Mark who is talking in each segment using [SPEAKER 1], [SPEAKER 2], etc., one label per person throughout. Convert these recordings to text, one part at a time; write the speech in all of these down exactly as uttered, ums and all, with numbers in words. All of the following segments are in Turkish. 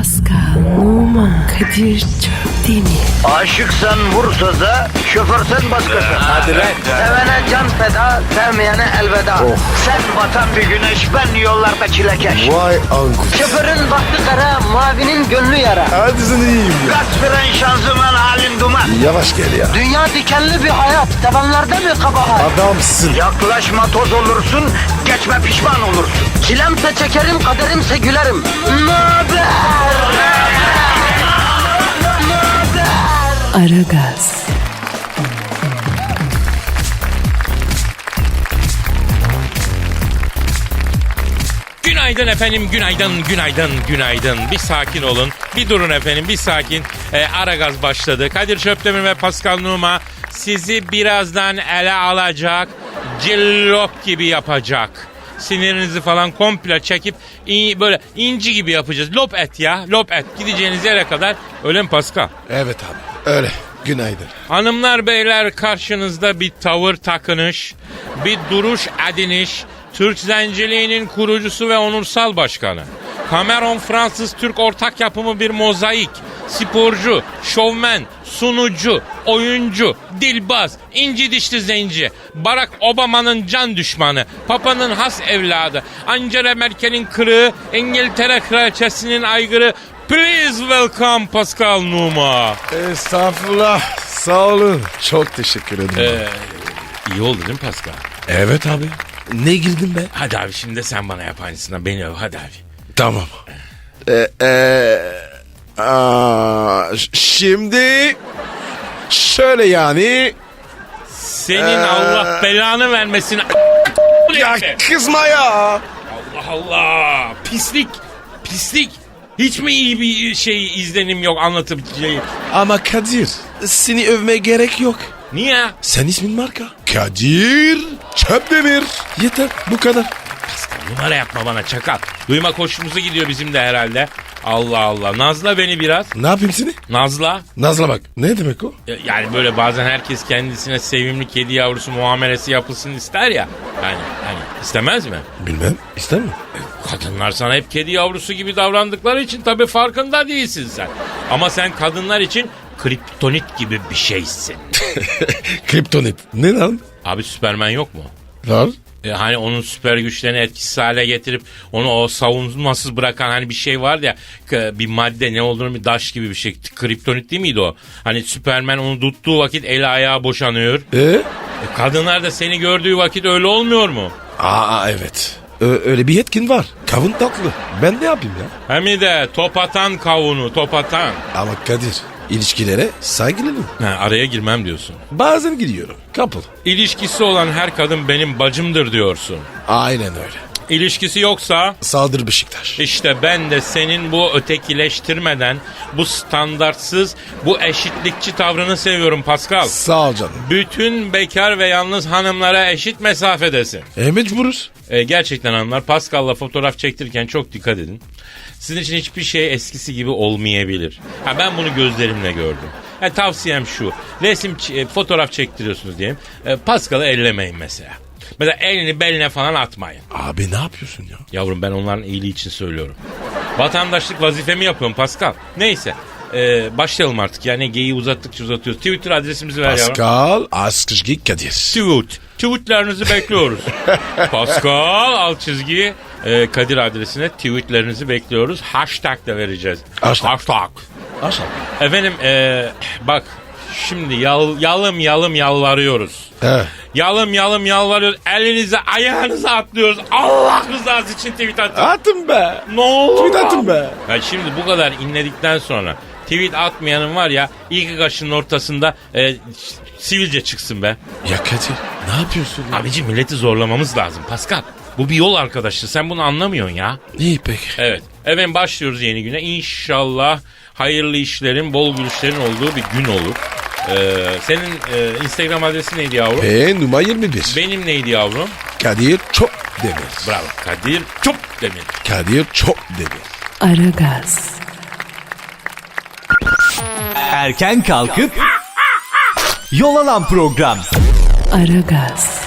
[SPEAKER 1] Pascal, Oman, Kadir çok değil mi?
[SPEAKER 2] Aşıksan vursa da, şoförsen başkasın.
[SPEAKER 3] Hadi lan.
[SPEAKER 2] Sevene can feda, sevmeyene elveda. Sen batan bir güneş, ben yollarda çilekeş.
[SPEAKER 3] Vay anku.
[SPEAKER 2] Şoförün baktı kara, mavinin gönlü yara.
[SPEAKER 3] Hadi sen iyiyim ya.
[SPEAKER 2] Kasperen şanzıman halin duman.
[SPEAKER 3] Yavaş gel ya.
[SPEAKER 2] Dünya dikenli bir hayat, sevenlerde mi kabahar?
[SPEAKER 3] Adamsın.
[SPEAKER 2] Yaklaşma toz olursun, geçme pişman olursun. Çilemse çekerim, kaderimse gülerim. Möber!
[SPEAKER 1] Aragaz,
[SPEAKER 4] Günaydın efendim, günaydın, günaydın, günaydın. Bir sakin olun, bir durun efendim, bir sakin. Ee, Aragaz başladı. Kadir Çöptemir ve Pascal Numa sizi birazdan ele alacak, cillop gibi yapacak. Sinirinizi falan komple çekip in, böyle inci gibi yapacağız. Lop et ya, lop et. Gideceğiniz yere kadar. Öyle mi Pascal?
[SPEAKER 3] Evet abi. Öyle. Günaydın.
[SPEAKER 4] Hanımlar beyler, karşınızda bir tavır takınış, bir duruş ediniş, Türk zenciliğinin kurucusu ve onursal başkanı. Cameron Fransız-Türk ortak yapımı bir mozaik, sporcu, şovmen, sunucu, oyuncu, dilbaz, inci dişli zenci, Barack Obama'nın can düşmanı, Papa'nın has evladı, Angela Merkel'in kırığı, İngiltere kraliçesinin aygırı. Please welcome Pascal Numa.
[SPEAKER 3] Estağfurullah. Sağ olun. Çok teşekkür ederim.
[SPEAKER 4] Ee, iyi oldu değil mi Pascal?
[SPEAKER 3] Evet abi. Ne girdin be?
[SPEAKER 4] Hadi abi şimdi de sen bana yap aynısından. Beni öv hadi abi.
[SPEAKER 3] Tamam. Ee, ee, aa, ş- şimdi şöyle yani.
[SPEAKER 4] Senin
[SPEAKER 3] Ee,
[SPEAKER 4] Allah belanı vermesin.
[SPEAKER 3] Ya kızma ya.
[SPEAKER 4] Allah Allah. Pislik. Pislik. Hiç mi iyi bir şey izlenim yok anlatabileceğim?
[SPEAKER 3] Ama Kadir, seni övmeye gerek yok.
[SPEAKER 4] Niye?
[SPEAKER 3] Sen ismin marka. Kadir Çöpdemir. Yeter bu kadar.
[SPEAKER 4] Pascal numara yapma bana çakal. Duymak hoşumuza gidiyor bizim de herhalde. Allah Allah. Nazla beni biraz.
[SPEAKER 3] Ne yapayım seni?
[SPEAKER 4] Nazla.
[SPEAKER 3] Nazla bak. Ne demek o?
[SPEAKER 4] Yani böyle bazen herkes kendisine sevimli kedi yavrusu muamelesi yapılsın ister ya. Yani hani istemez mi?
[SPEAKER 3] Bilmem. İster mi?
[SPEAKER 4] Kadınlar sana hep kedi yavrusu gibi davrandıkları için tabii farkında değilsin sen. Ama sen kadınlar için kriptonit gibi bir şeysin.
[SPEAKER 3] Kriptonit. Ne lan?
[SPEAKER 4] Abi Süpermen yok mu?
[SPEAKER 3] Var.
[SPEAKER 4] E, hani onun süper güçlerini etkisiz hale getirip onu o savunmasız bırakan hani bir şey vardı ya, k- bir madde, ne olduğunu bir daş gibi bir şey. Kriptonit değil miydi o? Hani Süpermen onu tuttuğu vakit eli ayağı boşanıyor.
[SPEAKER 3] Ee?
[SPEAKER 4] E, kadınlar da seni gördüğü vakit öyle olmuyor mu?
[SPEAKER 3] Aa evet. Ö- öyle bir yetkin var. Kavun tatlı. Ben ne yapayım ya?
[SPEAKER 4] Hem de top atan kavunu, top atan.
[SPEAKER 3] Ama Kadir, ilişkilere saygılıyım.
[SPEAKER 4] Ha, araya girmem diyorsun.
[SPEAKER 3] Bazen gidiyorum. Couple.
[SPEAKER 4] İlişkisi olan her kadın benim bacımdır diyorsun.
[SPEAKER 3] Aynen öyle.
[SPEAKER 4] İlişkisi yoksa
[SPEAKER 3] Saldır Beşiktaş.
[SPEAKER 4] işte ben de senin bu ötekileştirmeden, bu standartsız, bu eşitlikçi tavrını seviyorum Pascal.
[SPEAKER 3] Sağ ol canım.
[SPEAKER 4] Bütün bekar ve yalnız hanımlara eşit mesafedesin.
[SPEAKER 3] E mecburuz.
[SPEAKER 4] E, gerçekten hanımlar, Pascal'la fotoğraf çektirirken çok dikkat edin. Sizin için hiçbir şey eskisi gibi olmayabilir. Ha, ben bunu gözlerimle gördüm. Ha, tavsiyem şu. Resim, e, fotoğraf çektiriyorsunuz diyelim. E, Pascal'ı ellemeyin mesela. Mesela elini beline falan atmayın.
[SPEAKER 3] Abi ne yapıyorsun ya?
[SPEAKER 4] Yavrum ben onların iyiliği için söylüyorum. Vatandaşlık vazifemi yapıyorum Pascal. Neyse. E, başlayalım artık. Yani geyiği uzattıkça uzatıyoruz. Twitter adresimizi ver yavrum.
[SPEAKER 3] Pascal Askışgi Kadir.
[SPEAKER 4] Tweet. Tweetlerinizi bekliyoruz. Pascal alt çizgi e, Kadir adresine tweetlerinizi bekliyoruz. Hashtag da vereceğiz.
[SPEAKER 3] Hashtag.
[SPEAKER 4] Hashtag.
[SPEAKER 3] Aşağı.
[SPEAKER 4] Efendim e, bak şimdi yal, yalım yalım yalvarıyoruz.
[SPEAKER 3] He.
[SPEAKER 4] Yalım yalım yalvarıyoruz. Elinize ayağınıza atlıyoruz. Allah rızası için tweet atın.
[SPEAKER 3] Atın be.
[SPEAKER 4] Ne olur.
[SPEAKER 3] Tweet atın be.
[SPEAKER 4] Ya şimdi bu kadar inledikten sonra tweet atmayanın var ya, ilk kaşının ortasında e, sivilce çıksın be.
[SPEAKER 3] Ya Kadir ne yapıyorsun ya?
[SPEAKER 4] Abici milleti zorlamamız lazım Pascal. Bu bir yol arkadaşlığı, sen bunu anlamıyorsun ya.
[SPEAKER 3] İyi peki.
[SPEAKER 4] Evet. Efendim başlıyoruz yeni güne. İnşallah hayırlı işlerin, bol gülüşlerin olduğu bir gün olur. Ee, senin e, Instagram adresi neydi yavrum?
[SPEAKER 3] E numara yirmi bir.
[SPEAKER 4] Benim neydi yavrum?
[SPEAKER 3] Kadir çok demir.
[SPEAKER 4] Bravo. Kadir çok demir.
[SPEAKER 3] Kadir çok demir.
[SPEAKER 1] Aragaz,
[SPEAKER 5] Erken kalkıp yol alan program.
[SPEAKER 1] Aragaz,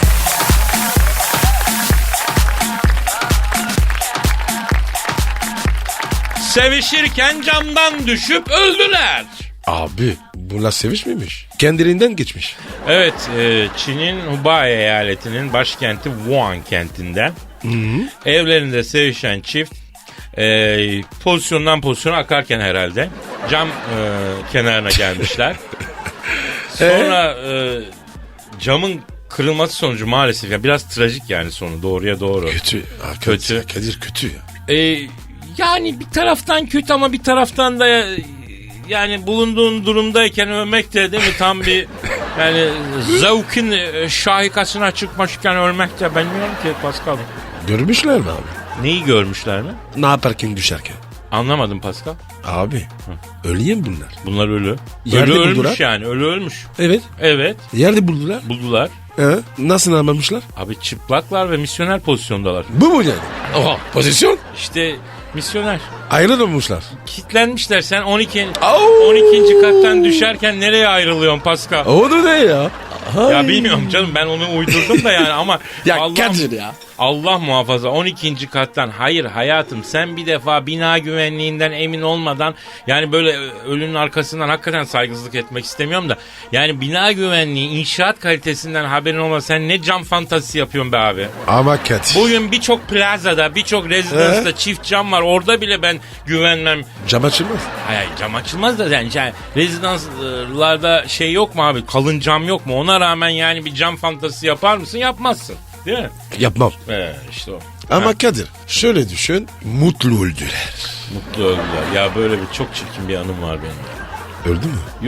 [SPEAKER 4] Sevişirken camdan düşüp öldüler.
[SPEAKER 3] Abi bunlar sevişmemiş. Kendiliğinden geçmiş.
[SPEAKER 4] Evet, e, Çin'in Hubei eyaletinin başkenti Wuhan kentinden evlerinde sevişen çift e, pozisyondan pozisyona akarken herhalde cam e, kenarına gelmişler. Sonra e, camın kırılması sonucu maalesef ya biraz trajik yani sonu doğruya doğru.
[SPEAKER 3] Kötü. Ha,
[SPEAKER 4] Kötü.
[SPEAKER 3] Kadir, Kadir kötü ya.
[SPEAKER 4] E, yani bir taraftan kötü ama bir taraftan da e, yani bulunduğun durumdayken ölmek de değil mi tam bir yani zevkin e, şahikasına çıkmışken ölmek de bilmiyorum ki Pascal.
[SPEAKER 3] Görmüşler mi abi?
[SPEAKER 4] Neyi görmüşler mi?
[SPEAKER 3] Ne yaparken düşerken?
[SPEAKER 4] Anlamadım Pascal.
[SPEAKER 3] Abi ölüyem bunlar.
[SPEAKER 4] Bunlar ölü.
[SPEAKER 3] Yerde
[SPEAKER 4] ölü
[SPEAKER 3] buldular.
[SPEAKER 4] ölmüş yani ölü ölmüş.
[SPEAKER 3] Evet.
[SPEAKER 4] Evet
[SPEAKER 3] Yerde buldular.
[SPEAKER 4] buldular.
[SPEAKER 3] He? Nasıl anlamışlar?
[SPEAKER 4] Abi çıplaklar ve misyoner pozisyondalar.
[SPEAKER 3] Bu mu yani? Oha pozisyon.
[SPEAKER 4] İşte misyoner.
[SPEAKER 3] Ayrılmamışlar.
[SPEAKER 4] Kitlenmişler sen on iki
[SPEAKER 3] Au!
[SPEAKER 4] on ikinci kattan düşerken nereye ayrılıyorsun Pascal?
[SPEAKER 3] O da ne ya?
[SPEAKER 4] Ya
[SPEAKER 3] Ay.
[SPEAKER 4] bilmiyorum canım ben onu uydurdum da yani ama
[SPEAKER 3] Ya
[SPEAKER 4] Allah,
[SPEAKER 3] Kadir ya.
[SPEAKER 4] Allah muhafaza on ikinci kattan hayır hayatım sen bir defa bina güvenliğinden emin olmadan yani böyle ölünün arkasından hakikaten saygısızlık etmek istemiyorum da yani bina güvenliği inşaat kalitesinden haberin olmasa sen ne cam fantazisi yapıyorsun be abi?
[SPEAKER 3] Ama Kadir.
[SPEAKER 4] Bugün birçok plazada birçok rezidansta çift cam var orada bile ben güvenmem.
[SPEAKER 3] Cam açılmaz.
[SPEAKER 4] Hayır cam açılmaz da yani, yani rezidanslarda şey yok mu abi kalın cam yok mu ona rağmen yani bir cam fantazisi yapar mısın yapmazsın değil mi?
[SPEAKER 3] Yapmam.
[SPEAKER 4] Ee, işte o.
[SPEAKER 3] Ama
[SPEAKER 4] Ha,
[SPEAKER 3] Kadir şöyle düşün. Mutlu öldüler.
[SPEAKER 4] mutlu öldüler. Ya böyle bir çok çirkin bir anım var benim. ya.
[SPEAKER 3] Öldü mü?
[SPEAKER 4] Yo-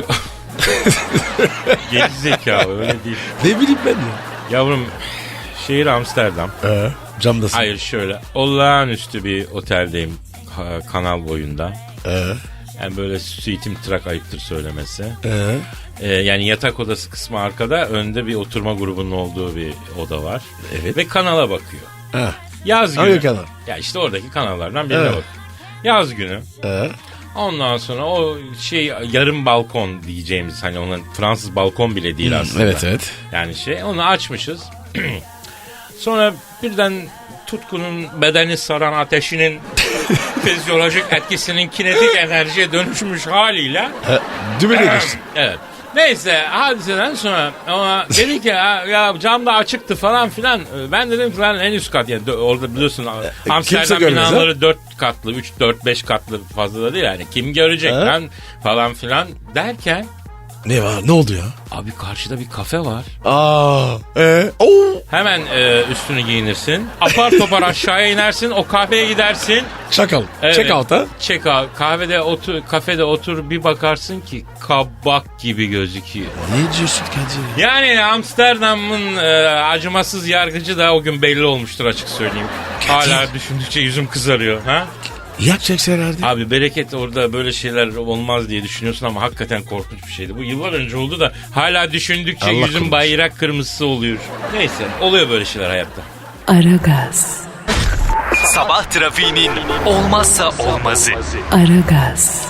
[SPEAKER 4] Geri zekalı öyle değil.
[SPEAKER 3] Ne bileyim ben ya.
[SPEAKER 4] Yavrum şehir Amsterdam.
[SPEAKER 3] Ee, camdasın.
[SPEAKER 4] Hayır şöyle olağanüstü bir oteldeyim ha, kanal boyunda.
[SPEAKER 3] Ee,
[SPEAKER 4] Yani böyle suitim trak ayıptır söylemesi.
[SPEAKER 3] ee.
[SPEAKER 4] Ee, yani yatak odası kısmı arkada önde bir oturma grubunun olduğu bir oda var.
[SPEAKER 3] Evet.
[SPEAKER 4] Ve kanala bakıyor.
[SPEAKER 3] Ha.
[SPEAKER 4] Yaz günü.
[SPEAKER 3] Hangi kanal?
[SPEAKER 4] Ya işte oradaki kanallardan birine
[SPEAKER 3] Evet.
[SPEAKER 4] bakıyor. Yaz günü.
[SPEAKER 3] Ee.
[SPEAKER 4] Ondan sonra o şey yarım balkon diyeceğimiz hani onun Fransız balkon bile değil aslında.
[SPEAKER 3] Evet evet.
[SPEAKER 4] Yani şey onu açmışız. Sonra birden tutkunun bedeni saran ateşinin fizyolojik etkisinin kinetik enerjiye dönüşmüş haliyle.
[SPEAKER 3] Ha, dümene geçtin.
[SPEAKER 4] Evet. Neyse hadiseden sonra ama dedi ki ya, ya cam da açıktı falan filan. Ben dedim ki lan en üst kat yani orada biliyorsun Amsterdam
[SPEAKER 3] görmez,
[SPEAKER 4] binaları dört katlı üç dört beş katlı fazla da değil yani kim görecek
[SPEAKER 3] Ha?
[SPEAKER 4] lan falan filan derken
[SPEAKER 3] Ne var? Ne oldu ya?
[SPEAKER 4] abi karşıda bir kafe var.
[SPEAKER 3] Aa. Ee. Oo.
[SPEAKER 4] Hemen e, üstünü giyinirsin. Apar topar aşağıya inersin. O kafeye gidersin.
[SPEAKER 3] Çakal.
[SPEAKER 4] Evet.
[SPEAKER 3] Check out ha?
[SPEAKER 4] Check out. Kahvede otur, kafede otur bir bakarsın ki kabak gibi gözüküyor.
[SPEAKER 3] Ne diyorsun Kadir?
[SPEAKER 4] Yani Amsterdam'ın e, acımasız yargıcı da o gün belli olmuştur açık söyleyeyim. Hala düşündükçe yüzüm kızarıyor. Ha?
[SPEAKER 3] Yapacaksın herhalde.
[SPEAKER 4] Abi bereket orada böyle şeyler olmaz diye düşünüyorsun ama hakikaten korkunç bir şeydi. Bu yıllar önce oldu da hala düşündükçe
[SPEAKER 3] Allah
[SPEAKER 4] yüzüm
[SPEAKER 3] korusun.
[SPEAKER 4] bayrak kırmızısı oluyor. Neyse oluyor böyle şeyler hayatta.
[SPEAKER 1] Aragaz,
[SPEAKER 5] Sabah trafiğinin olmazsa olmazı.
[SPEAKER 1] Aragaz,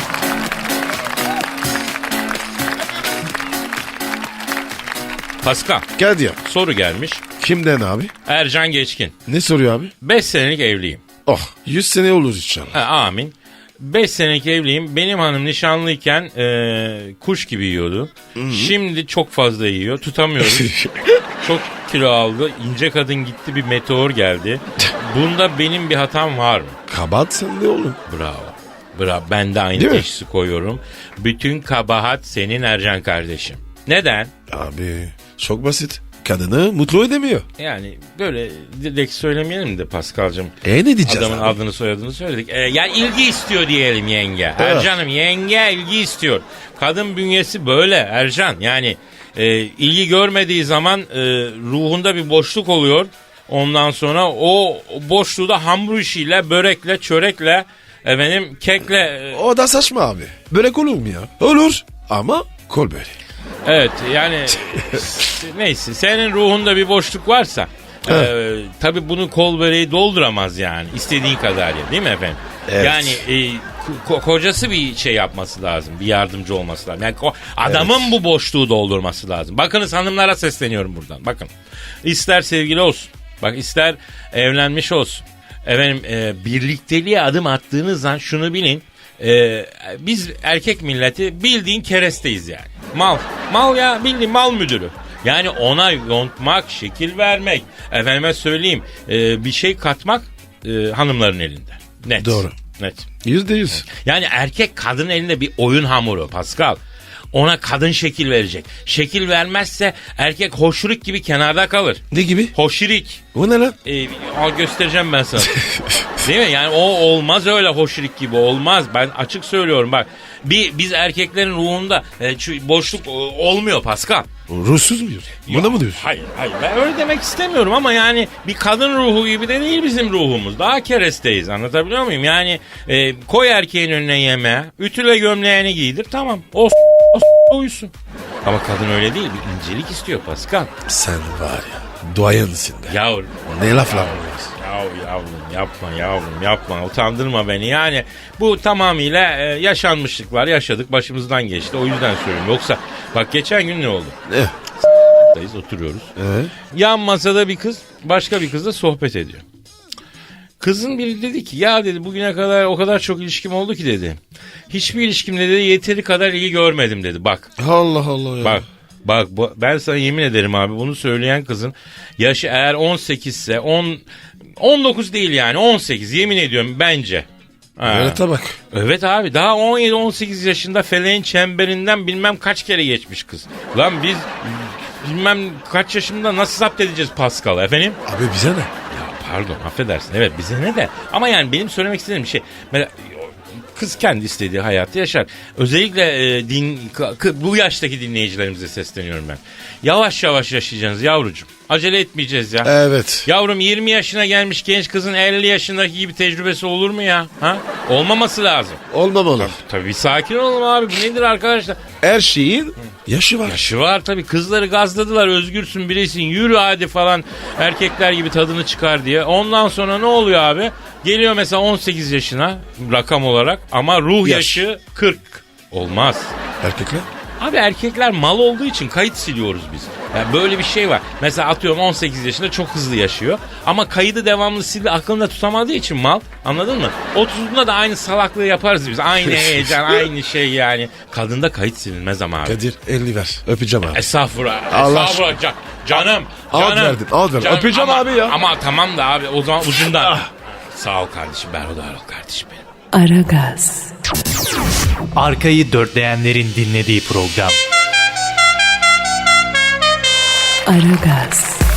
[SPEAKER 4] Pascal
[SPEAKER 3] Kadir.
[SPEAKER 4] soru gelmiş.
[SPEAKER 3] Kimden abi?
[SPEAKER 4] Ercan Geçkin.
[SPEAKER 3] Ne soruyor abi?
[SPEAKER 4] beş senelik evliyim.
[SPEAKER 3] Oh yüz sene olur inşallah.
[SPEAKER 4] Ha, amin. beş senelik evliyim. Benim hanım nişanlıyken e, kuş gibi yiyordu. Şimdi çok fazla yiyor. Tutamıyoruz. Çok kilo aldı. İnce kadın gitti bir meteor geldi. Bunda benim bir hatam var mı?
[SPEAKER 3] Kabahat sende oğlum.
[SPEAKER 4] Bravo. Bravo. Ben de aynı
[SPEAKER 3] Değil mi?
[SPEAKER 4] teşhisi koyuyorum. Bütün kabahat senin Ercan kardeşim. Neden?
[SPEAKER 3] Abi çok basit. Kadını mutlu edemiyor.
[SPEAKER 4] Yani böyle direkt söylemeyelim de Paskal'cığım.
[SPEAKER 3] E ne diyeceğiz
[SPEAKER 4] Adamın
[SPEAKER 3] abi?
[SPEAKER 4] adını soyadını söyledik. Ee, yani ilgi istiyor diyelim yenge. Ercan'ım yenge ilgi istiyor. Kadın bünyesi böyle Ercan. Yani e, ilgi görmediği zaman e, ruhunda bir boşluk oluyor. Ondan sonra o boşluğu da hamur işiyle, börekle, çörekle, efendim kekle... e,
[SPEAKER 3] O da saçma abi. Börek olur mu ya? Olur. Ama kol böreği.
[SPEAKER 4] Evet yani neyse senin ruhunda bir boşluk varsa e, tabii bunu kol böreği dolduramaz yani istediğin kadar ya değil mi efendim?
[SPEAKER 3] Evet.
[SPEAKER 4] Yani e, ko- kocası bir şey yapması lazım bir yardımcı olması lazım. Yani ko- adamın
[SPEAKER 3] Evet.
[SPEAKER 4] bu boşluğu doldurması lazım. Bakınız hanımlara sesleniyorum buradan bakın ister sevgili olsun bak ister evlenmiş olsun. Efendim e, birlikteliğe adım attığınız an şunu bilin. E, biz erkek milleti bildiğin keresteyiz yani. Mal. Mal ya, bildiğin mal müdürü. Yani ona yontmak, şekil vermek, efendime söyleyeyim e, bir şey katmak e, hanımların elinde. Net.
[SPEAKER 3] Doğru.
[SPEAKER 4] Net.
[SPEAKER 3] Yüzde yüz.
[SPEAKER 4] Yani erkek kadının elinde bir oyun hamuru Pascal. Ona kadın şekil verecek. Şekil vermezse erkek hoşrik gibi kenarda kalır.
[SPEAKER 3] Ne gibi?
[SPEAKER 4] Hoşrik.
[SPEAKER 3] O ne lan?
[SPEAKER 4] Ee, al göstereceğim ben sana. Değil mi? Yani o olmaz öyle hoşrik gibi olmaz. Ben açık söylüyorum bak. Bir, biz erkeklerin ruhunda e, şu boşluk e, olmuyor Pascal.
[SPEAKER 3] Ruhsuz muyuz? Buna mı diyorsun?
[SPEAKER 4] Hayır hayır ben öyle demek istemiyorum ama yani bir kadın ruhu gibi de değil bizim ruhumuz. Daha keresteyiz, anlatabiliyor muyum? Yani e, koy erkeğin önüne yemeğe, ütüle gömleğini giydir, tamam o, o uyusun. Ama kadın öyle değil, bir incelik istiyor Pascal.
[SPEAKER 3] Sen var ya, duayensin be.
[SPEAKER 4] Yavrum.
[SPEAKER 3] Ne laflar var?
[SPEAKER 4] Ya yavrum yapma yavrum yapma, utandırma beni. Yani bu tamamıyla e, yaşanmışlıklar, yaşadık, başımızdan geçti, o yüzden söylüyorum. Yoksa bak geçen gün ne oldu?
[SPEAKER 3] Ne?
[SPEAKER 4] Dayız, oturuyoruz.
[SPEAKER 3] Ee?
[SPEAKER 4] Yan masada bir kız başka bir kızla sohbet ediyor. Kızın biri dedi ki ya dedi bugüne kadar o kadar çok ilişkim oldu ki dedi. Hiçbir ilişkimde dedi yeteri kadar iyi görmedim dedi, bak.
[SPEAKER 3] Allah Allah ya.
[SPEAKER 4] Bak bak bu, ben sana yemin ederim abi, bunu söyleyen kızın yaşı eğer on sekiz ise on, on dokuz değil yani on sekiz, yemin ediyorum bence. Ha.
[SPEAKER 3] Evet bak.
[SPEAKER 4] Evet abi, daha on yedi on sekiz yaşında feleğin çemberinden bilmem kaç kere geçmiş kız. Lan biz bilmem kaç yaşında nasıl zapt edeceğiz Pascal efendim?
[SPEAKER 3] Abi bize ne?
[SPEAKER 4] Ya pardon, affedersin, evet bize ne de, ama yani benim söylemek istediğim bir şey. Mesela kız kendi istediği hayatı yaşar. Özellikle e, din, k- k- bu yaştaki dinleyicilerimize sesleniyorum ben. Yavaş yavaş yaşayacaksınız yavrucuğum. Acele etmeyeceğiz ya.
[SPEAKER 3] Evet.
[SPEAKER 4] Yavrum yirmi yaşına gelmiş genç kızın elli yaşındaki gibi tecrübesi olur mu ya? Ha? Olmaması lazım.
[SPEAKER 3] Olmamalı.
[SPEAKER 4] Tabii, tabii bir sakin olalım abi. Bu nedir arkadaşlar?
[SPEAKER 3] Her şeyin yaşı var.
[SPEAKER 4] Yaşı var tabii. Kızları gazladılar. Özgürsün, bireysin, yürü hadi falan. Erkekler gibi tadını çıkar diye. Ondan sonra ne oluyor abi? Geliyor mesela on sekiz yaşına rakam olarak ama ruh
[SPEAKER 3] Yaş.
[SPEAKER 4] yaşı kırk. Olmaz.
[SPEAKER 3] Erkekler?
[SPEAKER 4] Abi erkekler mal olduğu için kayıt siliyoruz biz. Yani böyle bir şey var. Mesela atıyorum on sekiz yaşında çok hızlı yaşıyor. Ama kaydı devamlı sildi, aklında tutamadığı için mal. Anladın mı? otuzunda da aynı salaklığı yaparız biz. Aynı heyecan, aynı şey yani. Kadında kayıt silinmez ama abi.
[SPEAKER 3] Kadir elli ver. Öpeceğim abi.
[SPEAKER 4] Estağfurullah.
[SPEAKER 3] Allah
[SPEAKER 4] Estağfurullah. Can, canım.
[SPEAKER 3] Al
[SPEAKER 4] Canım.
[SPEAKER 3] verdin, al verdin.
[SPEAKER 4] Canım,
[SPEAKER 3] Öpeceğim
[SPEAKER 4] ama,
[SPEAKER 3] abi ya.
[SPEAKER 4] Ama tamam da abi o zaman ucundan. Sağ ol kardeşim. Berhudar ol kardeşim benim.
[SPEAKER 1] Aragaz,
[SPEAKER 5] Arkayı dörtleyenlerin dinlediği program.
[SPEAKER 1] Aragaz,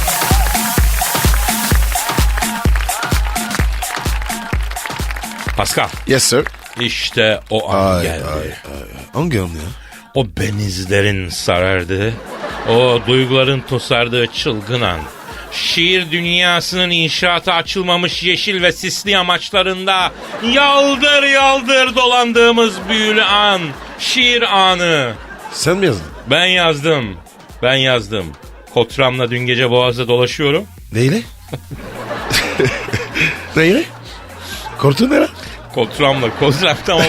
[SPEAKER 4] Pascal.
[SPEAKER 3] Yes sir.
[SPEAKER 4] İşte o an
[SPEAKER 3] Ay,
[SPEAKER 4] geldi.
[SPEAKER 3] ay, ay. Hangi an ya?
[SPEAKER 4] O benizlerin sarardığı, o duyguların tosardığı çılgın an. Şiir dünyasının inşaata açılmamış yeşil ve sisli amaçlarında yaldır yaldır dolandığımız büyülü an. Şiir anı.
[SPEAKER 3] Sen mi yazdın?
[SPEAKER 4] Ben yazdım. Ben yazdım. Kotramla dün gece Boğaz'da dolaşıyorum.
[SPEAKER 3] Neyle? Neyle? Korktun ne lan?
[SPEAKER 4] Kotramla, kotram tamam.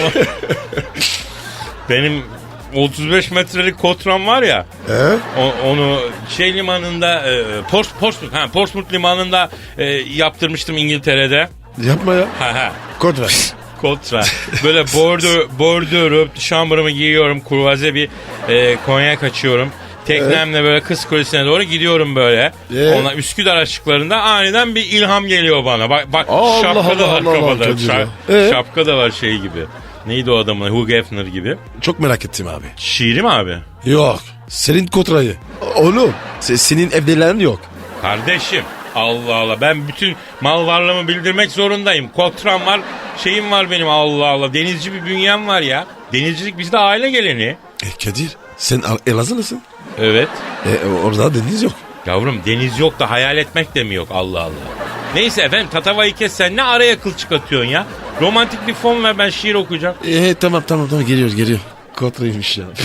[SPEAKER 4] Benim otuz beş metrelik kotram var ya.
[SPEAKER 3] Ee?
[SPEAKER 4] O, onu şey limanında e, Pors, Portsmouth, ha, Portsmouth limanında e, yaptırmıştım İngiltere'de.
[SPEAKER 3] Yapma ya.
[SPEAKER 4] Ha ha.
[SPEAKER 3] Kod ver.
[SPEAKER 4] Kotra. Böyle bordo, bordo şambırımı giyiyorum. Kurvaze bir e, konyak açıyorum. Teknemle böyle Kız Kulesi'ne doğru gidiyorum böyle.
[SPEAKER 3] Ee?
[SPEAKER 4] Ona Üsküdar açıklarında aniden bir ilham geliyor bana. Bak, bak
[SPEAKER 3] Allah
[SPEAKER 4] şapka da
[SPEAKER 3] Allah
[SPEAKER 4] var
[SPEAKER 3] Allah Allah
[SPEAKER 4] kafada.
[SPEAKER 3] Kadir
[SPEAKER 4] Şa-
[SPEAKER 3] ya. Ee?
[SPEAKER 4] Şapka da var şey gibi. Neydi o adamın? Hugh Hefner gibi.
[SPEAKER 3] Çok merak ettim abi.
[SPEAKER 4] Şiiri mi abi?
[SPEAKER 3] Yok. Senin kotrayı. Oğlum. se- Senin evdelerin yok.
[SPEAKER 4] Kardeşim Allah Allah, ben bütün mal varlığımı bildirmek zorundayım. Kotram var, şeyim var benim, Allah Allah. Denizci bir bünyem var ya. Denizcilik bizde aile geleni.
[SPEAKER 3] E Kadir sen Al- Elazığlısın.
[SPEAKER 4] Evet.
[SPEAKER 3] E, orada deniz yok.
[SPEAKER 4] Yavrum deniz yok da hayal etmek de mi yok, Allah Allah. Neyse efendim, tatavayı kes, sen ne araya kıl çıkartıyorsun ya. Romantik bir fon ver, ben şiir okuyacağım.
[SPEAKER 3] E tamam tamam tamam geliyor geliyor. Kotraymış ya.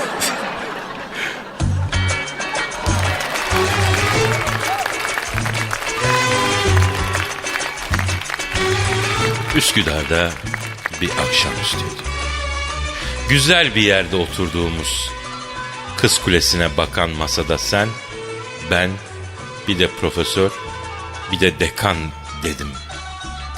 [SPEAKER 4] Üsküdar'da bir akşamüstüydü. Güzel bir yerde oturduğumuz, Kız Kulesi'ne bakan masada sen, ben, bir de profesör, bir de dekan dedim.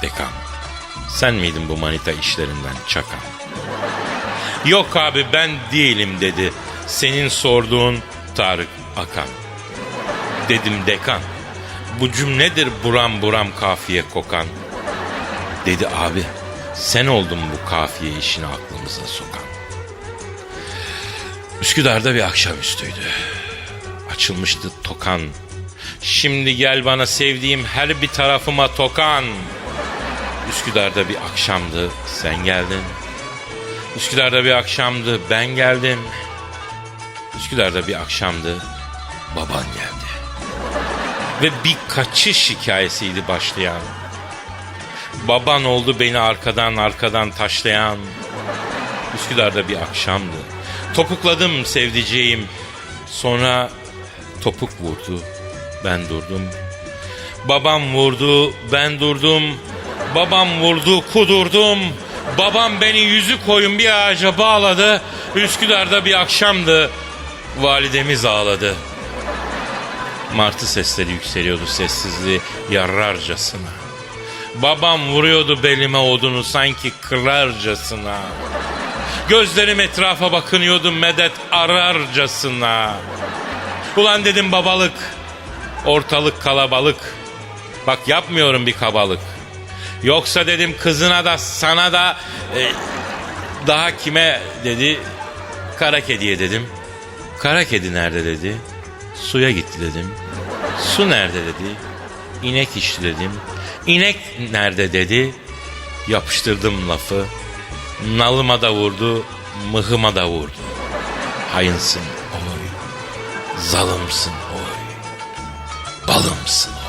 [SPEAKER 4] Dekan, sen miydin bu manita işlerinden çakan? Yok abi ben değilim dedi senin sorduğun Tarık Akan. Dedim dekan, bu cümledir buram buram kafiye kokan. Dedi abi, sen oldun bu kafiye işini aklımıza sokan. Üsküdar'da bir akşamüstüydü. Açılmıştı tokan. Şimdi gel bana sevdiğim her bir tarafıma tokan. Üsküdar'da bir akşamdı, sen geldin. Üsküdar'da bir akşamdı, ben geldim. Üsküdar'da bir akşamdı, baban geldi. Ve bir kaçış hikayesiydi başlayan. Baban oldu beni arkadan arkadan taşlayan. Üsküdar'da bir akşamdı. Topukladım sevdiceğim. Sonra topuk vurdu, ben durdum. Babam vurdu, ben durdum. Babam vurdu, kudurdum. Babam beni yüzü koyun bir ağaca bağladı. Üsküdar'da bir akşamdı. Validemiz ağladı. Martı sesleri yükseliyordu sessizliği yararcasına. Babam vuruyordu belime odunu sanki kırarcasına. Gözlerim etrafa bakınıyordu medet ararcasına. Ulan dedim babalık, ortalık kalabalık. Bak yapmıyorum bir kabalık. Yoksa dedim kızına da sana da e, daha kime dedi. Kara kediye dedim. Kara kedi nerede dedi. Suya gitti dedim. Su nerede dedi. İnek içti dedim. İnek nerede dedi. Yapıştırdım lafı. Nalıma da vurdu, mıhıma da vurdu. Hayınsın oy, zalımsın oy, balımsın oy.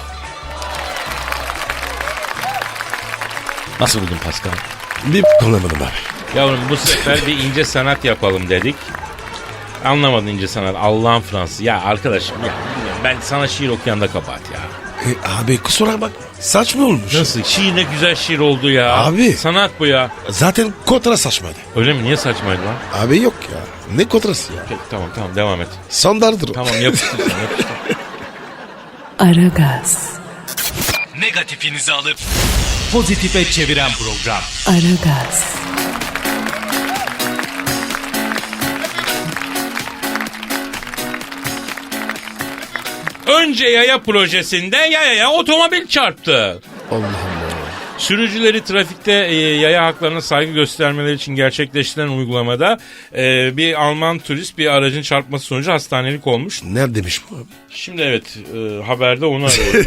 [SPEAKER 4] Nasıl buldun Pascal?
[SPEAKER 3] Bir anlamadım abi.
[SPEAKER 4] Yavrum bu sefer bir ince sanat yapalım dedik. Anlamadın ince sanat. Allah'ın Fransız. Ya arkadaşım ya ben sana şiir okuyan da kabahat ya.
[SPEAKER 3] E, abi kusura bak. Saçma olmuş.
[SPEAKER 4] Nasıl? Şiir ne güzel şiir oldu ya.
[SPEAKER 3] Abi.
[SPEAKER 4] Sanat bu ya.
[SPEAKER 3] Zaten kontra saçmaydı.
[SPEAKER 4] Öyle mi? Niye saçmaydı lan?
[SPEAKER 3] Abi yok ya. Ne kontrası ya?
[SPEAKER 4] Peki, tamam tamam devam et.
[SPEAKER 3] Standarttır o.
[SPEAKER 4] Tamam yapıştır sen yapıştır.
[SPEAKER 1] Aragaz,
[SPEAKER 5] Negatifinizi alıp pozitife çeviren program.
[SPEAKER 1] Aragaz,
[SPEAKER 4] Önce yaya projesinde yayaya otomobil çarptı.
[SPEAKER 3] Allah Allah.
[SPEAKER 4] Sürücüleri trafikte e, yaya haklarına saygı göstermeleri için gerçekleştirilen uygulamada e, bir Alman turist bir aracın çarpması sonucu hastanelik olmuş.
[SPEAKER 3] Neredeymiş bu abi?
[SPEAKER 4] Şimdi evet e, haberde onu arıyorum.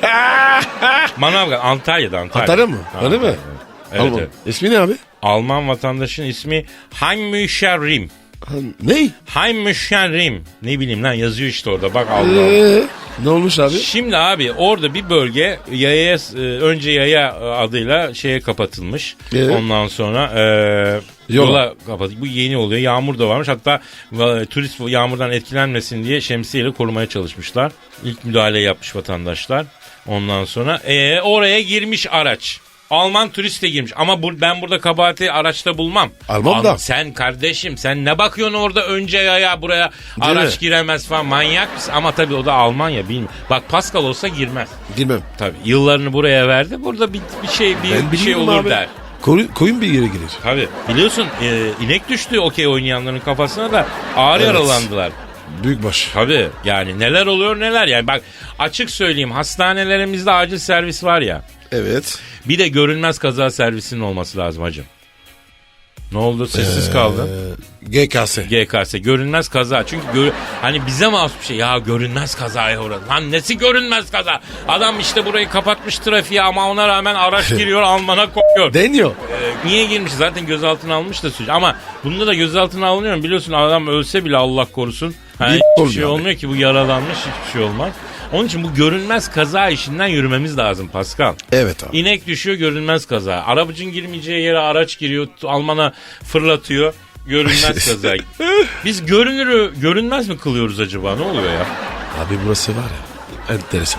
[SPEAKER 4] Manavgat Antalya'da Antalya.
[SPEAKER 3] Antalya mı?
[SPEAKER 4] Ha,
[SPEAKER 3] Öyle mi?
[SPEAKER 4] Evet,
[SPEAKER 3] Alman.
[SPEAKER 4] evet.
[SPEAKER 3] İsmi ne abi?
[SPEAKER 4] Alman vatandaşın ismi Heimücher Rim.
[SPEAKER 3] Ha, ne?
[SPEAKER 4] Heimücher Rim. Ne bileyim lan yazıyor işte orada bak Allah.
[SPEAKER 3] Ee, ne olmuş abi?
[SPEAKER 4] Şimdi abi orada bir bölge yaya e, önce yaya adıyla şeye kapatılmış.
[SPEAKER 3] Evet.
[SPEAKER 4] Ondan sonra e,
[SPEAKER 3] Yola.
[SPEAKER 4] yola kapatılmış. Bu yeni oluyor. Yağmur da varmış. Hatta e, turist yağmurdan etkilenmesin diye şemsiyeyle korumaya çalışmışlar. İlk müdahale yapmış vatandaşlar. Ondan sonra e, oraya girmiş araç. Alman turist de girmiş ama bu, ben burada kabahati araçta bulmam.
[SPEAKER 3] Alman da.
[SPEAKER 4] Sen kardeşim sen ne bakıyorsun orada önce yaya buraya araç
[SPEAKER 3] mi?
[SPEAKER 4] giremez falan manyak mısın? Ama tabii o da Almanya bilmiyorum. Bak Pascal olsa girmez.
[SPEAKER 3] Girmem.
[SPEAKER 4] Tabii yıllarını buraya verdi. Burada bir, bir şey bir,
[SPEAKER 3] Ben
[SPEAKER 4] bir şey
[SPEAKER 3] bilmiyorum
[SPEAKER 4] olur
[SPEAKER 3] abi.
[SPEAKER 4] der.
[SPEAKER 3] Koyun, koyun bir yere girer.
[SPEAKER 4] Tabii biliyorsun e, inek düştü okey oynayanların kafasına da ağır
[SPEAKER 3] Evet.
[SPEAKER 4] yaralandılar.
[SPEAKER 3] Büyük baş.
[SPEAKER 4] Tabii yani neler oluyor neler yani bak açık söyleyeyim hastanelerimizde acil servis var ya.
[SPEAKER 3] Evet.
[SPEAKER 4] Bir de görünmez kaza servisinin olması lazım hacım. Ne oldu? Sessiz kaldı.
[SPEAKER 3] Ee, G K S.
[SPEAKER 4] G K S görünmez kaza. Çünkü gör, hani bize mahsus bir şey. Ya görünmez kazaya uğradı. Lan nesi görünmez kaza? Adam işte burayı kapatmış trafiğe ama ona rağmen araç giriyor Alman'a koyuyor.
[SPEAKER 3] Deniyor.
[SPEAKER 4] Ee, niye girmiş? Zaten gözaltına almış da suç. Ama bunda da gözaltına alınıyor. Biliyorsun adam ölse bile Allah korusun. Hani
[SPEAKER 3] Hiç
[SPEAKER 4] hiçbir
[SPEAKER 3] olmuyor
[SPEAKER 4] şey
[SPEAKER 3] abi.
[SPEAKER 4] olmuyor ki bu yaralanmış hiçbir şey olmaz. Onun için bu görünmez kaza işinden yürümemiz lazım Pascal.
[SPEAKER 3] Evet abi.
[SPEAKER 4] İnek düşüyor görünmez kaza. Arabacın girmeyeceği yere araç giriyor. Almana fırlatıyor. Görünmez kaza. Biz görünürü görünmez mi kılıyoruz acaba? Ne oluyor ya?
[SPEAKER 3] Abi burası var ya. Enteresan.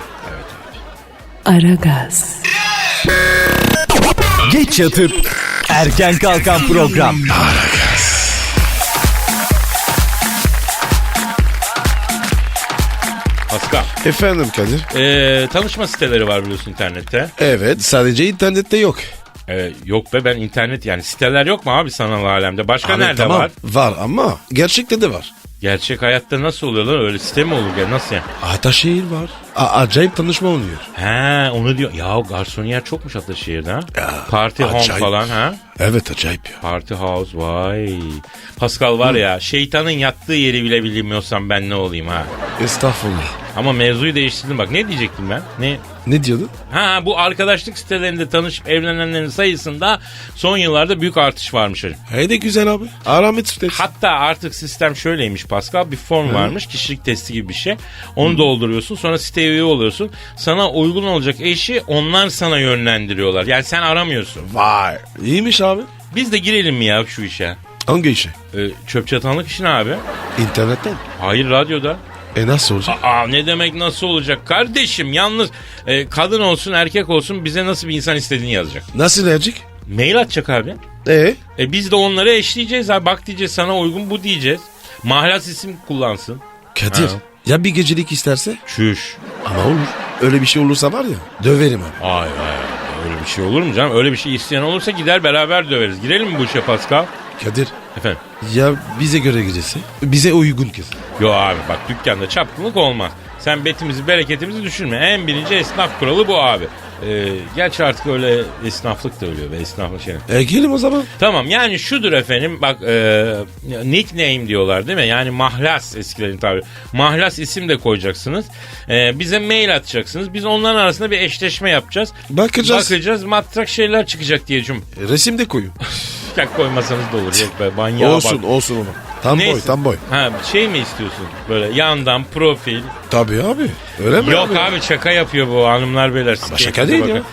[SPEAKER 1] Aragaz,
[SPEAKER 5] Geç yatıp erken kalkan program.
[SPEAKER 4] Pascal.
[SPEAKER 3] Efendim Kadir.
[SPEAKER 4] Ee, tanışma siteleri var biliyorsun internette.
[SPEAKER 3] Evet, sadece internette yok.
[SPEAKER 4] Ee, yok be, ben internet yani siteler yok mu abi sanal alemde? Başka
[SPEAKER 3] Abi,
[SPEAKER 4] nerede
[SPEAKER 3] tamam,
[SPEAKER 4] var?
[SPEAKER 3] Var ama gerçekte de var.
[SPEAKER 4] Gerçek hayatta nasıl oluyor lan, öyle site mi olur ya, nasıl yani?
[SPEAKER 3] Ataşehir var. A- acayip tanışma oluyor.
[SPEAKER 4] He onu diyor. Ya garsoniyer çokmuş Ataşehir'de ha.
[SPEAKER 3] Ya,
[SPEAKER 4] Party home
[SPEAKER 3] acayip.
[SPEAKER 4] falan ha.
[SPEAKER 3] Evet, acayip ya.
[SPEAKER 4] Party house, vay. Pascal var ya, şeytanın yattığı yeri bile bilmiyorsam ben ne olayım ha.
[SPEAKER 3] Estağfurullah.
[SPEAKER 4] Ama mevzuyu değiştirdim bak, ne diyecektim ben? Ne?
[SPEAKER 3] Ne diyordun?
[SPEAKER 4] Ha, bu arkadaşlık sitelerinde tanışıp evlenenlerin sayısında son yıllarda büyük artış varmış hocam.
[SPEAKER 3] Hey de güzel abi. Aramet sitesi.
[SPEAKER 4] Hatta artık sistem şöyleymiş Pascal, bir form varmış, kişilik testi gibi bir şey. Onu dolduruyorsun, sonra siteye üye oluyorsun. Sana uygun olacak eşi onlar sana yönlendiriyorlar. Yani sen aramıyorsun.
[SPEAKER 3] Vay. İyiymiş abi.
[SPEAKER 4] Biz de girelim mi ya şu işe?
[SPEAKER 3] Hangi işe?
[SPEAKER 4] Ee, çöp çatanlık işine abi.
[SPEAKER 3] İnternetten.
[SPEAKER 4] Hayır, radyoda.
[SPEAKER 3] E nasıl olacak?
[SPEAKER 4] Aa, ne demek nasıl olacak kardeşim, yalnız e, kadın olsun erkek olsun bize nasıl bir insan istediğini yazacak.
[SPEAKER 3] Nasıl edecek?
[SPEAKER 4] Mail atacak abi.
[SPEAKER 3] E
[SPEAKER 4] E biz de onları eşleyeceğiz abi, bak diyeceğiz sana uygun bu diyeceğiz. Mahlas isim kullansın.
[SPEAKER 3] Kadir.
[SPEAKER 4] Ha.
[SPEAKER 3] Ya bir gecelik isterse?
[SPEAKER 4] Çüş.
[SPEAKER 3] Ama olur. Öyle bir şey olursa var ya, döverim abi.
[SPEAKER 4] Ay ay, öyle bir şey olur mu canım? Öyle bir şey isteyen olursa gider beraber döveriz. Girelim mi bu işe Pascal?
[SPEAKER 3] Kadir.
[SPEAKER 4] Efendim?
[SPEAKER 3] Ya bize göre gecesi? Bize uygun kız.
[SPEAKER 4] Yo abi bak, dükkanda çapkınlık olmaz. Sen betimizi bereketimizi düşünme. En birinci esnaf kuralı bu abi. Ee, gerçi artık öyle esnaflık da ölüyor be, esnaflık şey.
[SPEAKER 3] E gelin o zaman.
[SPEAKER 4] Tamam, yani şudur efendim bak, e, nickname diyorlar değil mi? Yani mahlas eskilerin tabiri. Mahlas isim de koyacaksınız. E, bize mail atacaksınız. Biz onların arasında bir eşleşme yapacağız.
[SPEAKER 3] Bakacağız.
[SPEAKER 4] Bakacağız, matrak şeyler çıkacak diye cum.
[SPEAKER 3] E, resim de koyun.
[SPEAKER 4] Ya koymasanız da olur. Yok be, manyağa
[SPEAKER 3] olsun
[SPEAKER 4] bak.
[SPEAKER 3] olsun onu. Tam
[SPEAKER 4] Neyse.
[SPEAKER 3] boy tam boy.
[SPEAKER 4] Ha, şey mi istiyorsun? Böyle yandan profil.
[SPEAKER 3] Tabii abi. Öyle mi
[SPEAKER 4] Yok abi, şaka yapıyor bu hanımlar beyler.
[SPEAKER 3] Ama şaka değil ya.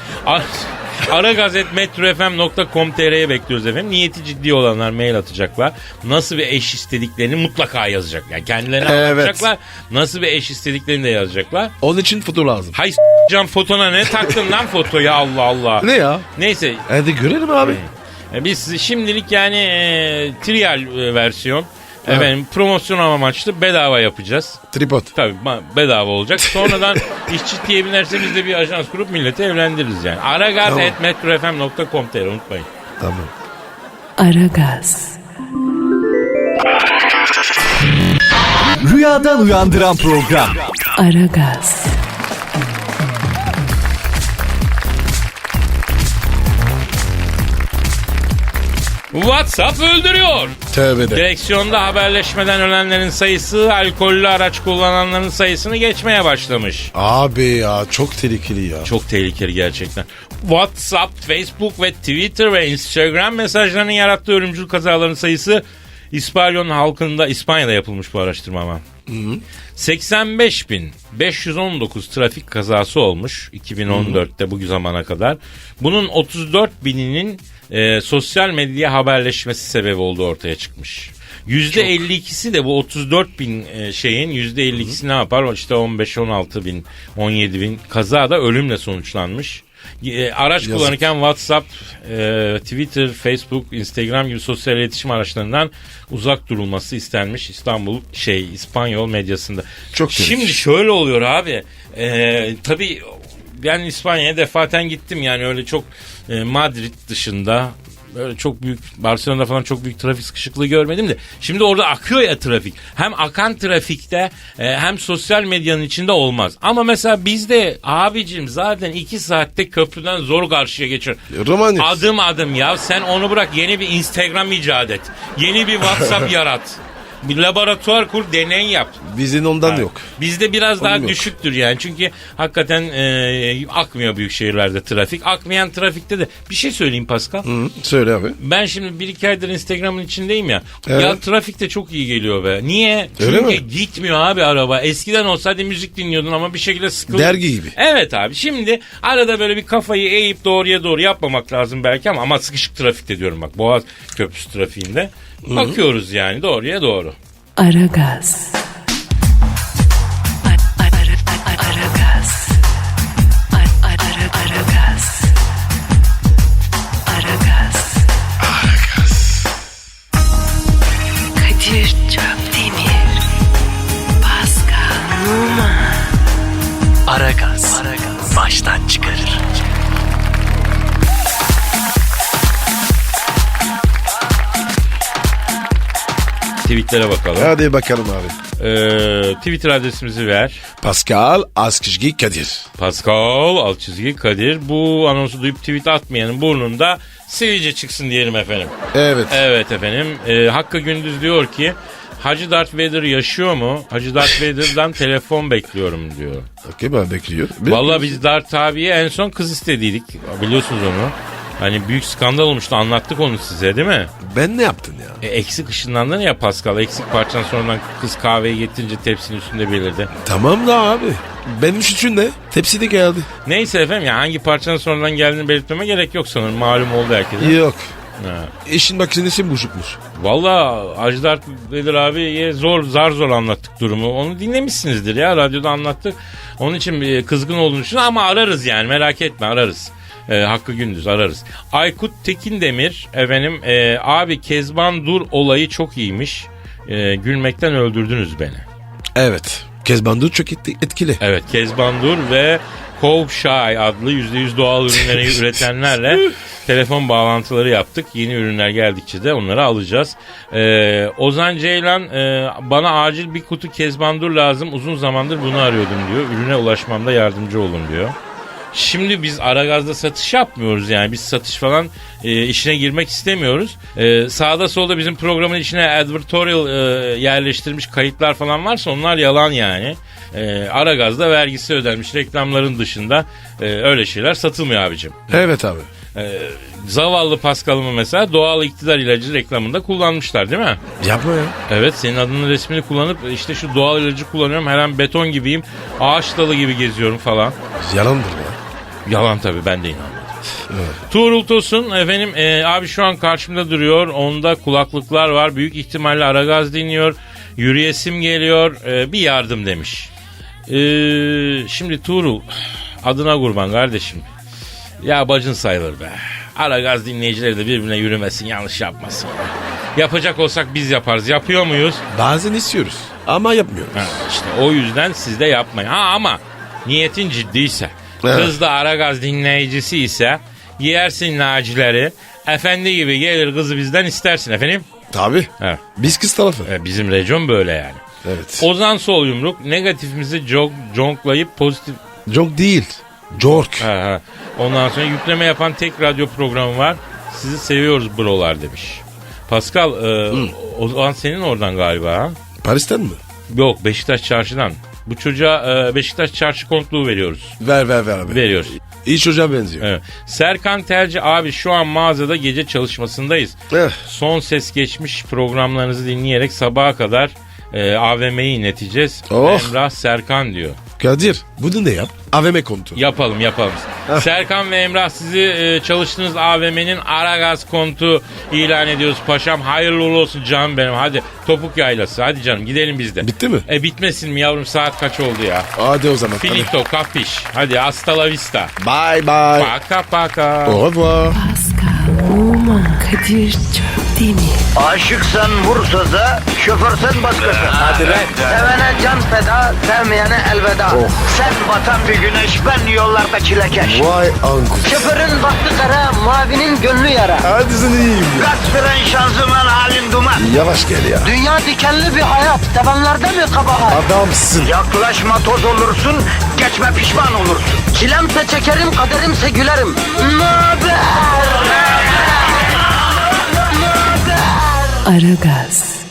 [SPEAKER 4] aragazetmetrofm nokta com nokta tr'ye bekliyoruz efendim. Niyeti ciddi olanlar mail atacaklar. Nasıl bir eş istediklerini mutlaka yazacak. Yani kendilerine
[SPEAKER 3] Evet.
[SPEAKER 4] anlatacaklar. Nasıl bir eş istediklerini de yazacaklar.
[SPEAKER 3] Onun için foto lazım.
[SPEAKER 4] Hay s*** can fotona ne taktın lan fotoyu, Allah Allah.
[SPEAKER 3] Ne ya?
[SPEAKER 4] Neyse.
[SPEAKER 3] Hadi görelim abi.
[SPEAKER 4] E, Biz şimdilik yani e, trial e, versiyon. Efendim promosyon amaçlı bedava yapacağız.
[SPEAKER 3] Tripod.
[SPEAKER 4] Tabii bedava olacak. Sonradan işçi diye binerse biz de bir ajans kurup milleti evlendiririz yani. aragaz at metrofm nokta com nokta tr unutmayın.
[SPEAKER 3] Tamam.
[SPEAKER 1] Aragaz,
[SPEAKER 5] Rüyadan uyandıran program.
[SPEAKER 1] Aragaz,
[SPEAKER 4] WhatsApp öldürüyor.
[SPEAKER 3] Tövbe de.
[SPEAKER 4] Direksiyonda haberleşmeden ölenlerin sayısı alkollü araç kullananların sayısını geçmeye başlamış.
[SPEAKER 3] Abi ya çok tehlikeli ya.
[SPEAKER 4] Çok tehlikeli gerçekten. WhatsApp, Facebook ve Twitter ve Instagram mesajlarının yarattığı ölümcül kazaların sayısı İspanyol halkında, İspanya'da yapılmış bu araştırma ama. seksen beş bin beş yüz on dokuz trafik kazası olmuş iki bin on dörtte bu zamana kadar. Bunun otuz dört bininin e, sosyal medya haberleşmesi sebebi olduğu ortaya çıkmış. yüzde elli ikisi de bu otuz dört bin e, şeyin yüzde elli ikisi ne yapar? İşte on beş on altı bin on yedi bin kaza da ölümle sonuçlanmış. E, araç
[SPEAKER 3] Yazık.
[SPEAKER 4] kullanırken WhatsApp, e, Twitter, Facebook, Instagram gibi sosyal iletişim araçlarından uzak durulması istenmiş İstanbul şey İspanyol medyasında.
[SPEAKER 3] Çok
[SPEAKER 4] Şimdi
[SPEAKER 3] tehlikeli.
[SPEAKER 4] şöyle oluyor abi. E, tabii ben İspanya'ya defaten gittim yani öyle çok e, Madrid dışında. Böyle çok büyük, Barcelona'da falan çok büyük trafik sıkışıklığı görmedim de. Şimdi orada akıyor ya trafik. Hem akan trafikte e, hem sosyal medyanın içinde olmaz. Ama mesela bizde abicim zaten iki saatte köprüden zor karşıya geçiyor.
[SPEAKER 3] Romanik.
[SPEAKER 4] Adım adım ya, sen onu bırak, yeni bir Instagram icat et. Yeni bir WhatsApp yarat. Bir laboratuvar kur, deney yap.
[SPEAKER 3] Bizim ondan
[SPEAKER 4] Ha.
[SPEAKER 3] yok.
[SPEAKER 4] Bizde biraz daha
[SPEAKER 3] Onun yok.
[SPEAKER 4] düşüktür yani. Çünkü hakikaten e, akmıyor büyük şehirlerde trafik. Akmayan trafikte de bir şey söyleyeyim Pascal.
[SPEAKER 3] Hı, söyle abi.
[SPEAKER 4] Ben şimdi bir iki aydır Instagram'ın içindeyim ya.
[SPEAKER 3] Evet.
[SPEAKER 4] Ya trafikte çok iyi geliyor be. Niye?
[SPEAKER 3] Öyle
[SPEAKER 4] Çünkü
[SPEAKER 3] mi?
[SPEAKER 4] gitmiyor abi araba. Eskiden olsaydı müzik dinliyordun ama bir şekilde sıkıldın.
[SPEAKER 3] Dergi gibi.
[SPEAKER 4] Evet abi. Şimdi arada böyle bir kafayı eğip doğruya doğru yapmamak lazım belki ama, ama sıkışık trafikte diyorum bak. Boğaz Köprüsü trafiğinde. Bakıyoruz yani doğruya doğru.
[SPEAKER 1] Aragaz. Ar- ar- ar- ar- Aragaz. Ar- ar- ar- Aragaz. Aragaz. Kadir Çöpdemir. Pascal Numa.
[SPEAKER 4] tweetlere bakalım.
[SPEAKER 3] Hadi bakalım abi.
[SPEAKER 4] Ee, Twitter adresimizi ver.
[SPEAKER 3] Pascal Askışgi Kadir.
[SPEAKER 4] Pascal alt çizgi Kadir. Bu anonsu duyup tweet atmayanın burnunda sivilce çıksın diyelim efendim.
[SPEAKER 3] Evet.
[SPEAKER 4] Evet efendim. Ee, Hakkı Gündüz diyor ki Hacı Darth Vader yaşıyor mu? Hacı Darth Vader'dan telefon bekliyorum diyor.
[SPEAKER 3] Okey, ben bekliyor.
[SPEAKER 4] Vallahi biz Darth abiye en son kız istediydik. Biliyorsunuz onu. Hani büyük skandal olmuştu, anlattık onu size değil mi?
[SPEAKER 3] Ben ne yaptın ya?
[SPEAKER 4] E, eksik ışınlandın ya Pascal. Eksik parçan sonradan kız kahveyi getirince tepsinin üstünde belirdi.
[SPEAKER 3] Tamam da abi. Benim suçum ne? Tepsi de geldi.
[SPEAKER 4] Neyse efendim ya hangi parçanın sonradan geldiğini belirtmeme gerek yok sanırım. Malum oldu herkese.
[SPEAKER 3] Yok.
[SPEAKER 4] Ha.
[SPEAKER 3] İşin makinesi bozukmuş.
[SPEAKER 4] Valla Hacı Dert Vedir abiye zor zar zor anlattık durumu. Onu dinlemişsinizdir ya, radyoda anlattık. Onun için bir kızgın olduğunu düşünüyorum ama ararız yani, merak etme, ararız. Ee, Hakkı Gündüz ararız. Aykut Tekindemir efendim e, abi Kezban Dur olayı çok iyiymiş. E, gülmekten öldürdünüz beni.
[SPEAKER 3] Evet. Kezban Dur çok etki- etkili.
[SPEAKER 4] Evet, Kezban Dur ve Kovşay adlı yüzde yüz doğal ürünleri üretenlerle telefon bağlantıları yaptık. Yeni ürünler geldikçe de onları alacağız. Ee, Ozan Ceylan e, bana acil bir kutu Kezban Dur lazım. Uzun zamandır bunu arıyordum diyor. Ürüne ulaşmamda yardımcı olun diyor. Şimdi biz Aragaz'da satış yapmıyoruz yani. Biz satış falan e, işine girmek istemiyoruz. E, sağda solda bizim programın içine advertorial e, yerleştirmiş kayıtlar falan varsa onlar yalan yani. E, Aragaz'da vergisi ödenmiş reklamların dışında e, öyle şeyler satılmıyor abicim.
[SPEAKER 3] Evet abi.
[SPEAKER 4] E, zavallı Pascal'ımı mesela doğal iktidar ilacı reklamında kullanmışlar değil mi?
[SPEAKER 3] Yapma ya.
[SPEAKER 4] Evet, senin adının resmini kullanıp işte şu doğal ilacı kullanıyorum, her an beton gibiyim, ağaç dalı gibi geziyorum falan.
[SPEAKER 3] Yalandır ya.
[SPEAKER 4] Yalan tabii, ben de inanmadım.
[SPEAKER 3] Evet.
[SPEAKER 4] Tuğrul Tosun efendim e, abi şu an karşımda duruyor. Onda kulaklıklar var. Büyük ihtimalle Aragaz dinliyor. Yürüyesim geliyor. E, bir yardım demiş. E, şimdi Tuğrul, adına kurban kardeşim. Ya bacın sayılır be. Aragaz dinleyicileri de birbirine yürümesin, yanlış yapmasın. Yapacak olsak biz yaparız. Yapıyor muyuz?
[SPEAKER 3] Bazen istiyoruz ama yapmıyoruz.
[SPEAKER 4] Ha, işte o yüzden siz de yapmayın. Ha ama niyetin ciddiyse,
[SPEAKER 3] evet,
[SPEAKER 4] kız da Aragaz dinleyicisi ise yersin nacileri, efendi gibi gelir kızı bizden istersin efendim.
[SPEAKER 3] Tabii.
[SPEAKER 4] Evet.
[SPEAKER 3] Biz kız tarafı.
[SPEAKER 4] E, bizim rejyon böyle yani.
[SPEAKER 3] Evet.
[SPEAKER 4] Ozan Sol Yumruk negatifimizi jog, jonklayıp pozitif...
[SPEAKER 3] Çok değil. Jork.
[SPEAKER 4] Ha, ha. Ondan sonra yükleme yapan tek radyo programı var. Sizi seviyoruz brolar demiş. Pascal, e, Ozan senin oradan galiba ha?
[SPEAKER 3] Paris'ten mi?
[SPEAKER 4] Yok, Beşiktaş Çarşı'dan. Bu çocuğa e, Beşiktaş Çarşı kontluğu veriyoruz.
[SPEAKER 3] Ver ver ver abi.
[SPEAKER 4] Veriyoruz.
[SPEAKER 3] İyi çocuğa benziyor.
[SPEAKER 4] Evet. Serkan Terci abi şu an mağazada gece çalışmasındayız.
[SPEAKER 3] Eh.
[SPEAKER 4] Son ses geçmiş programlarınızı dinleyerek sabaha kadar e, A V M'yi inleteceğiz.
[SPEAKER 3] Oh.
[SPEAKER 4] Emrah Serkan diyor.
[SPEAKER 3] Kadir bunu ne yap? A V M kontu.
[SPEAKER 4] Yapalım yapalım.
[SPEAKER 3] Heh.
[SPEAKER 4] Serkan ve Emrah sizi e, çalıştığınız A V M'nin Aragaz kontu ilan ediyoruz paşam. Hayırlı uğurlu olsun canım benim. Hadi topuk yaylası. Hadi canım gidelim biz de.
[SPEAKER 3] Bitti mi?
[SPEAKER 4] E bitmesin mi yavrum, saat kaç oldu ya?
[SPEAKER 3] Hadi o zaman.
[SPEAKER 4] Finito kapiş. Hadi hasta la vista.
[SPEAKER 3] Bye bye.
[SPEAKER 4] Paka paka.
[SPEAKER 3] Au revoir.
[SPEAKER 1] Pascal, Oman, Kadir çok değil mi?
[SPEAKER 2] Aşıksan vursa da, şoförsen başkasın. Hadi
[SPEAKER 3] lan.
[SPEAKER 2] Sevene can feda, sevmeyene elveda. Sen batan bir güneş, ben yollarda çilekeş.
[SPEAKER 3] Vay anku.
[SPEAKER 2] Şoförün baktı kara, mavinin gönlü yara.
[SPEAKER 3] Hadi sen iyiyim ya.
[SPEAKER 2] Kasperen şanzıman halin duman.
[SPEAKER 3] Yavaş gel ya.
[SPEAKER 2] Dünya dikenli bir hayat, sevenlerde mi kabahar?
[SPEAKER 3] Adamsın.
[SPEAKER 2] Yaklaşma toz olursun, geçme pişman olursun. Çilemse çekerim, kaderimse gülerim. Möber!
[SPEAKER 1] Aragaz.